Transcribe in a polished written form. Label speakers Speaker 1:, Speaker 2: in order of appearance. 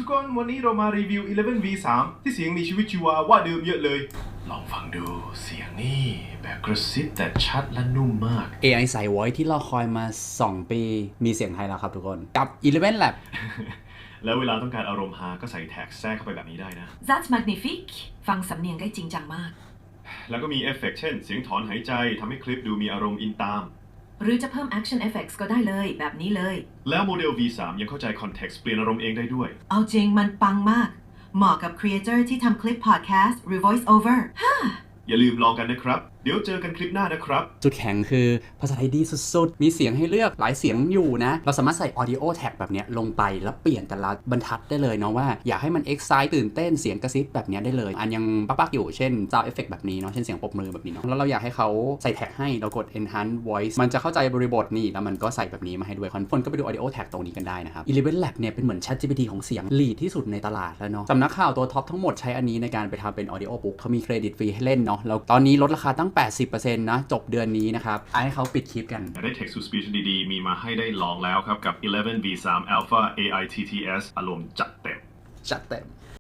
Speaker 1: คนวันนี้เรามารีวิว 11V3 ที่เสียงมีชีวิตชีวาว่าเดิมเยอะเลยลองฟังดูเสียงนี่แบบกระซิบแต่ชัดและนุ่มมาก
Speaker 2: AI ใส่ Voice ที่เราคอยมา2 ปีมีเสียงไทยแล้วครับทุกคนกับ Eleven Lab
Speaker 1: แล้วเวลาต้องการอารมณ์ฮาก็ใส่แท็กแทรกเข้าไปแบบนี้ได้นะ
Speaker 3: That's magnifique ฟังสำเนียงได้จริงจังมาก
Speaker 1: แล้วก็มีเอฟเฟกต์เช่นเสียงถอนหายใจทำให้คลิปดูมีอารมณ์อินตาม
Speaker 3: หรือจะเพิ่ม action effects ก็ได้เลยแบบนี้เลย
Speaker 1: แล้วโมเดล V3 ยังเข้าใจคอนเท็กซ์เปลี่ยนอารมณ์เองได้ด้วย
Speaker 3: เอาจริงมันปังมากเหมาะกับ creator ที่ทำคลิป podcast หรือ voice over
Speaker 1: อย่าลืมลองกันนะครับเดี๋ยวเจอกันคลิปหน้านะครับ
Speaker 2: จุดแข็งคือภาษาไทยดีสุดๆมีเสียงให้เลือกหลายเสียงอยู่นะเราสามารถใส่ audio tag แบบนี้ลงไปแล้วเปลี่ยนแต่ละบรรทัดได้เลยเนาะว่าอยากให้มัน excite ตื่นเต้นเสียงกระซิบแบบนี้ได้เลยอันยังปักๆอยู่เช่น sound effect แบบนี้เนาะเช่นเสียงปรบมือแบบนี้เนาะแล้วเราอยากให้เขาใส่แท็กให้เรากด enhance voice มันจะเข้าใจบริบทนี่แล้วมันก็ใส่แบบนี้มาให้ด้วยคนก็ไปดู audio tag ตรงนี้กันได้นะครับ Eleven Lab เนี่ยเป็นเหมือน ChatGPT ของเสียง lead ที่สุดในตลาดแล้วเนาะสำนักข่าวตัวท็อปทั้งหมดใช้อันนี้ในการไปทำเป็น audio book เขามีเครดิตฟรีให้เล่นเนาะแล้วตอนนี้ลดราคาตั้ง 80%นะจบเดือนนี้นะครับให้เขาปิดคลิปกัน
Speaker 1: ได้ Text to Speech ดีๆมีมาให้ได้ลองแล้วครับกับ 11V3 Alpha AI TTS อารมณ์จัดเต็ม